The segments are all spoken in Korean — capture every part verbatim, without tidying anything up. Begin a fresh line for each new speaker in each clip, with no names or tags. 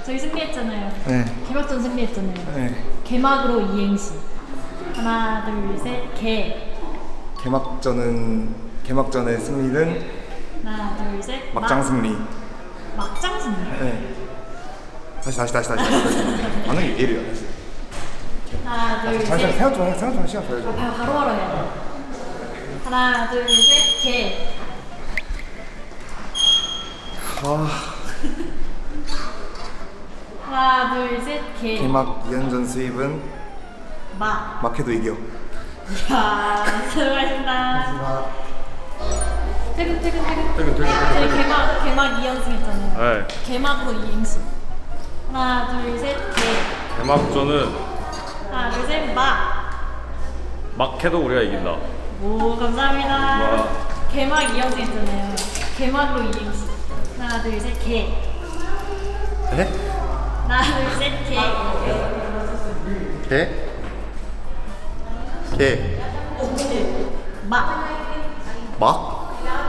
저희 승리했잖아요.
네.
개막전 승리했잖아요.
네.
개막으로 이행시. 하나, 둘, 셋, 개.
개막전은 개막전의 승리는
하나, 둘, 셋.
막장
막.
승리.
막장 승리.
네. 다시 다시 다시 다시 다시. 반응이 왜 이래요?
하나, 둘,
잠시만
셋.
생각 좀 해. 생각 좀 시간 줘야죠.
바, 바로 바로 해야 돼. 하나, 둘, 셋, 개.
아,
하나, 둘, 셋, 개.
개막 이 연전 수입은
막.
막해도 이겨.
이야, 수고하셨습니다. 퇴근, 퇴근, 퇴근.
퇴근, 퇴근, 퇴근,
저희
퇴근.
개막, 개막 이 연승 했잖아요.
네.
개막으로 이행시. 하나, 둘, 셋, 개.
개막전은
하나, 둘, 셋, 막.
막 해도 우리가 이긴다.
오, 감사합니다.
막.
개막 이 연승 했잖아요. 개막으로 이행시. 하나, 둘, 셋, 개.
네?
하나, 둘, 셋, 개.
개? 개.
막.
막?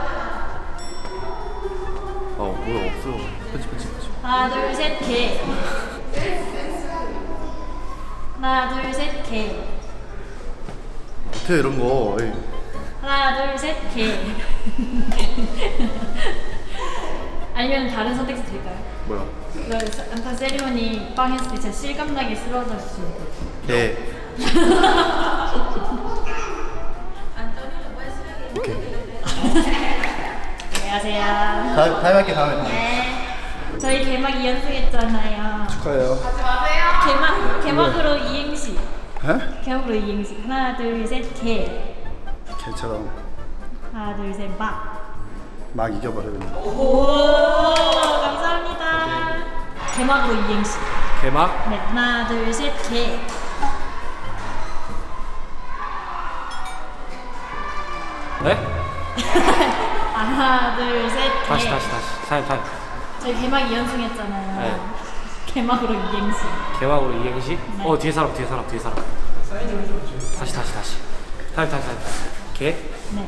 아 뭐야 없어요. 편집 편집 편집.
하나, 둘, 셋, 개. 하나, 둘, 셋, 개.
못해 이런 거. 에이.
하나, 둘, 셋, 개. 아니면 다른 선택지 드릴까요?
뭐야?
이거 안타 세리머니 빵 했을 때 진짜 실감나게 쓰러져 주시면 돼요.
개. 오케이.
안녕하세요.
다음 다음 할게 다음에. 다음에.
네. 저희 개막 이 연승 했잖아요.
축하해요.
개막, 개막으로 이행시.
에?
개막으로 이행시. 하나, 둘, 셋, 개.
개처럼
하나, 둘, 셋, 막.
막 이겨버려 그냥.
오, 감사합니다. 개막으로 이행시.
개막?
네, 하나, 둘, 셋, 개.
네?
하나, 둘, 셋, 개.
다시 다시 다시. 타임 타임.
저희 개막 이 연승 했잖아요.
네.
개막으로 이행시.
개막으로 이행시?
네.
어 뒤에 사람 뒤에 사람 뒤에 사람. 다시 다시 다시. 타임 타임 타임. 개?
네.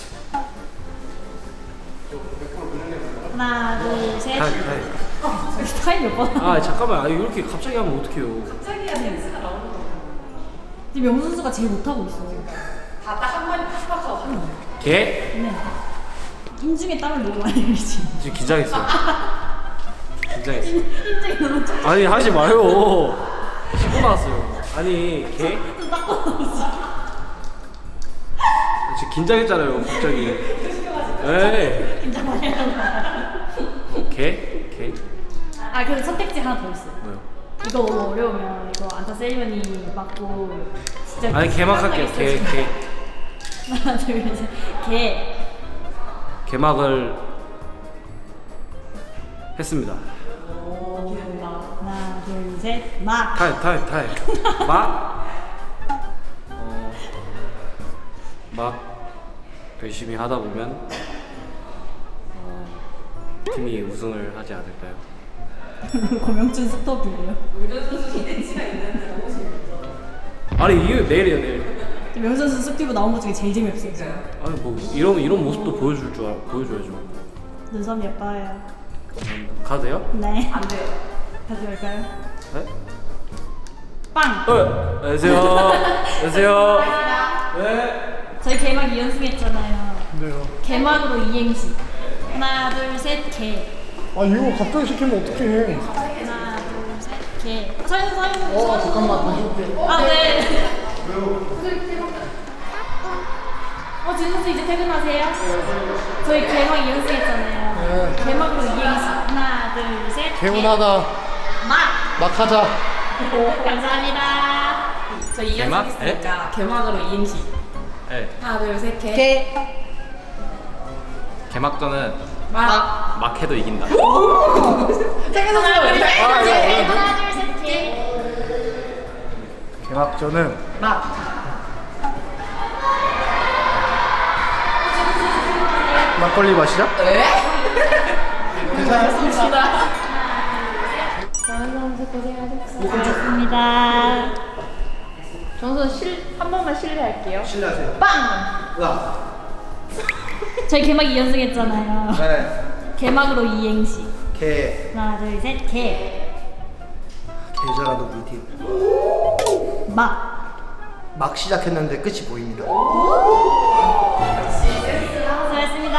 하나, 둘, 셋.
타임 타임.
타임 몇 번?
아 잠깐만. 아 이렇게 갑자기 하면 어떡해요.
지금 명수 선수가 제일 못하고 있어요.
개?
네. 인중에 땀을 너무 많이 흘리지.
지금 긴장했어요. 긴장했어.
인중이 너무 좀
아니 하지 마요. 씻고 나왔어요. 아니 개?
닦고
지금 긴장했잖아요 갑자기. 에이.
긴장 많이 하잖아.
어, 개? 개?
아, 그래서 선택지 하나 더 있어요.
뭐요?
이거 너무 어려우면 이거 안타 세리머니 맞고 진짜
아니 개막할게요. 개 개.
하나, 둘, 셋. 개.
개막을 했습니다.
하나, 둘, 셋. 막.
타임 타임 타임. 막? 어, 막 열심히 하다 보면 어, 팀이 우승을 하지 않을까요?
고명준 스톱이에요.
아니 이게 내일이야 내일.
명수 선수 스티브 나온 것 중에 제일 재미없어요. 지금.
아니 뭐 이런 이런 모습도 보여줄 줄 알, 보여줘야죠.
눈썹 예뻐요.
음, 가도 돼요?
네. 안 돼요. 다시 할까요?
네?
빵.
어, 안녕하세요. 안녕하세요. 네.
저희 개막 이 연승 했잖아요.
네요.
개막으로 이행시. 하나, 둘, 셋, 개.
아 이거 갑자기 시키면 어떡해.
하나, 둘, 셋, 개. 서윤, 서윤.
어 잠깐만 다시 올게.
아, 네. 어, 진 선수 이제 퇴근하세요? 저희 개막 이 연승 했잖아요.
네.
개막으로 이행시. 하나, 둘, 셋, 개.
개운하다.
막.
막 하자.
감사합니다.
저희
개막?
이연승 했으니까 개막으로 이행시.
네.
하나 둘 셋 개.
개.
개막전은
막.
막 해도 이긴다.
하나, 둘, 셋, 개. 하나, 둘, 셋, 개.
개막전은
막.
막걸리 마시자.
왜?
괜찮아.
정원 선수 고생하셨습니다.
정선 실한 번만 실례할게요.
실례하세요.
빵.
나.
저희 개막 이 연승 했잖아요.
네.
개막으로 이행시.
개.
하나, 둘, 셋, 개.
계좌라도 우리 팀.
막.
막 시작했는데 끝이 보입니다.
수고했습니다.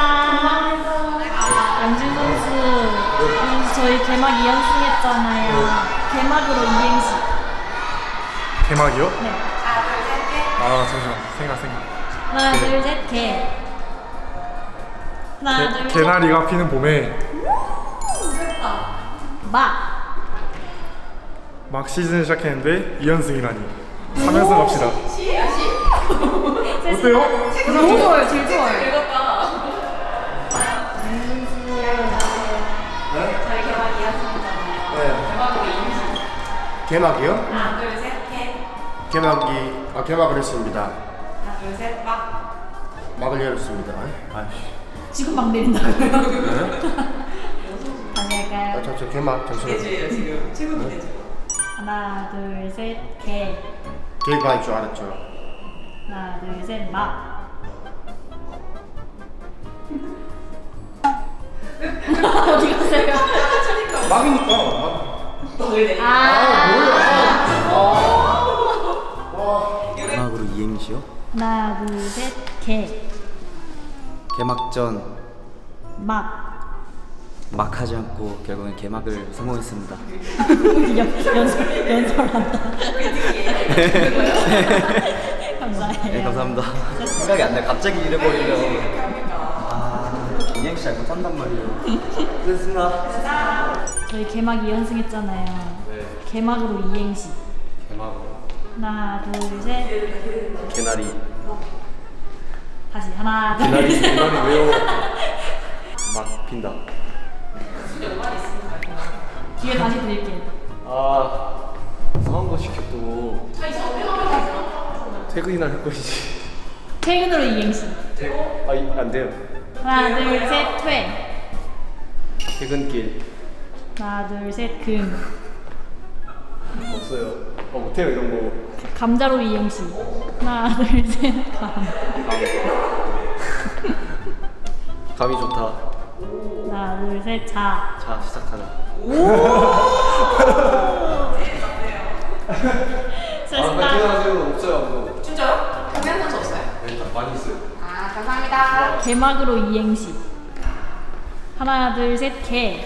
영준 선수, 선수 저희 개막 이 연승 했잖아요. 개막으로 이행시.
개막이요?
네.
아 잠시만 생각 생각.
하나, 둘, 셋, 개. 하나, 둘, 셋.
개나리가 피는 봄에
막.
막 시즌 시작했는데 이 연승이라니. 삼 연승 갑시다. 어때요?
너무 좋아요, 제일 좋아요.
저희 개막 이었습니다잖아요.
네.
개막으로 이행시.
개막이요?
하나, 둘, 셋, 개.
개막이 아 개막을 했습니다.
하나, 둘, 셋, 막.
막을 열었습니다. 아이씨.
지금 막 내린다고요? 다시 할까요?
아, 저, 저 개막 잠시만요.
대주예요 지금. 최고 대주.
하나, 둘, 셋, 개.
개가 할 줄 알았죠.
하나, 둘, 셋, 막. 어디 갔어요?
막이니까. 막.
아,
개막으로 이행시요?
하나, 둘, 셋, 개.
개막전
막.
막 하지 않고 결국엔 개막을 성공했습니다.
연, 연설, 연설한다. 감사해요.
네, 감사합니다. 생각이 안 나요. 갑자기 잃어버리면 아, 이행시 잘 못한단 말이에요. 됐습니다.
저희 개막 이 연승 했잖아요. 개막으로 이행시.
개막으로
하나, 둘, 셋.
개나리.
다시 하나, 둘,
개나리
셋.
개나리 왜요? 막 핀다.
기회 다시 드릴게요.
아 이상한 거 시켰고 퇴근이나 할 것이지.
퇴근으로 이행시.
아안 돼요.
하나, 둘, 셋, 퇴.
퇴근길
하나, 둘, 셋, 금.
없어요. 어 못해요 이런 거.
감자로 이행시. 하나, 둘, 셋, 감.
감이 좋다.
하나, 둘, 셋, 자.
자 시작하자.
수고하셨습니다.
퇴근하세요. 없어요 아무도.
진짜요? 공연 선수 없어요?
네, 많이 있어요.
아 감사합니다.
개막으로 이행시. 하나, 둘, 셋, 개.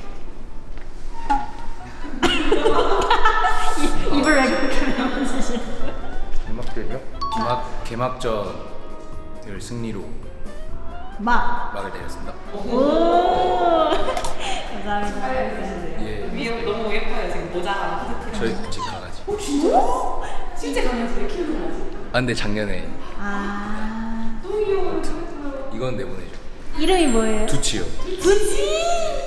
이- 입을 왜 그렇게 매우시지?
개막전이요?
개막 개막전을 승리로
막.
막을 내렸습니다.
오. 감사합니다.
예.
위에 너무 예뻐요 지금 모자랑 후드티.
저희 집 강아지.
실제 강아지 왜 키우는 거지?
아 근데 작년에
아.
이건 내보내죠.
이름이 뭐예요?
두치요.
두지.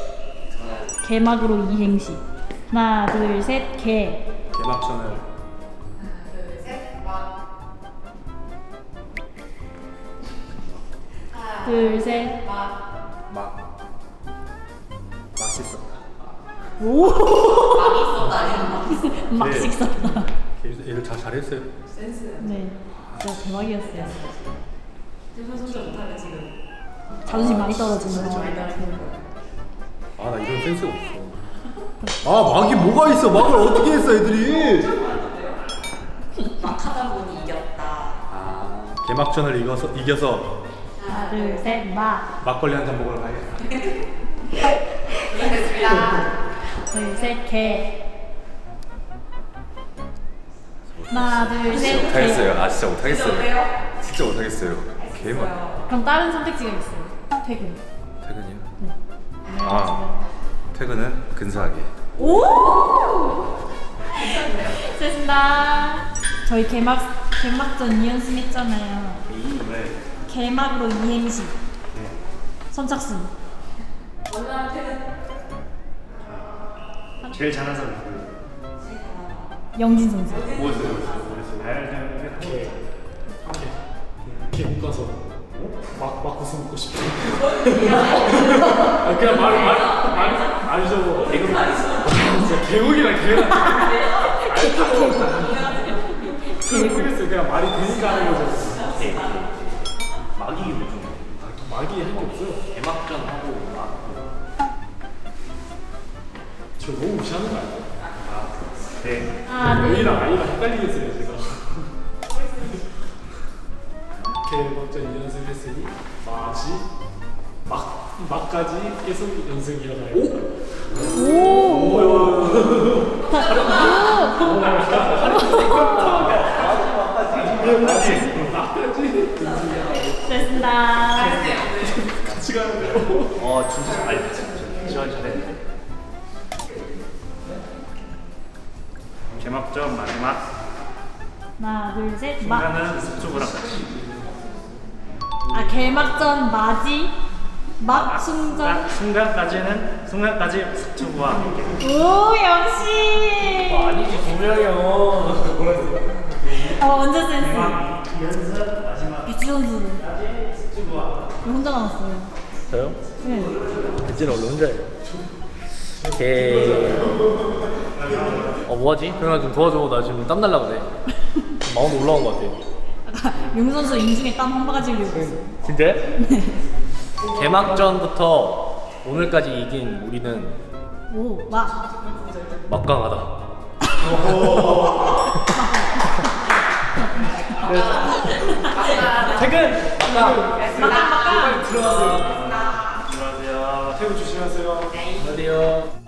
개막으로 이행시. 하나, 둘, 셋, 개.
개막전을
하나, 둘, 셋, 막. 하나,
둘, 셋.
막.
막 맛있었다.
오.
막이 있었다 아니면 막.
막식 썼다.
얘들 다 잘했어요.
센스.
네. 진짜 대박이었어요.
대선 손자 못하면 지금.
자존심 많이 떨어지는 거.
많이 떨어지는 거.
아 나 이런 센스가 없어. 아 막이 뭐가 있어? 막을 어떻게 했어 애들이?
막 하다 보니 이겼다.
아 개막전을 이겨서 이겨서
하나, 둘, 셋, 막.
막걸리 한 잔 먹으러 가야겠다.
고생했습니다.
둘, 셋, 개. 하나, 둘, 셋, 개.
못하겠어요. 아 진짜 못하겠어요.
어때요?
진짜 못하겠어요. 개막.
그럼 다른 선택지가 있어요. 퇴근.
퇴근이요?
네.
아 퇴근은 근사하게.
수고하셨습니다. 저희 개막 개막전 이 연승 했잖아요.
네.
개막으로 이행시. 선착순.
제일 잘하는 사람 누구예요?
영진 선수.
개 묶어서 막, 막 웃음 먹고 싶어. 아, 그냥 말, 말, 말, 말이죠. 개그 진짜 개국이랑 개랑. 모르겠어요. 그냥 말이 되니까 하는 거죠.
막이 뭐죠?
막이 할 게 없어요.
개막전 하고 막.
저 너무 무시하는 거 아니에요?
네.
하나, 둘,
A랑 I가 헷갈리겠어요 제가. 이렇게 먼저 이 연습 했으니 마지 막 막까지 계속 연습 이어가요.
오! 다, 됐습니다.
같이 가는데요.
어 진짜 잘 지원 잘했는데. 개막전 마지막
하나, 둘, 셋, 막.
순간은 숙주부랑 같이.
아, 개막전 맞이? 막 순간?
아, 순간까지는 순간까지 숙주부와 함께.
오, 역시!
아니지 분명히 형.
어, 완전 센스.
연습 마지막
배치 선수는
숙주부와.
왜 혼자 남았어요?
저요?
네.
배지는 원래 혼자예요. 개. 어 뭐하지? 그냥 좀 도와줘. 나 지금 땀 날라 그래. 마음도 올라온 것 같아.
아까 용 선수 인중에 땀 한 바가지 흘리고 있어요.
진짜요? 개막전부터 오늘까지 이긴 우리는
오, 막.
막강하다.
퇴근.
막강, 막강.
들어가세요.
안녕하세요.
태우 조심하세요.
안녕하세요.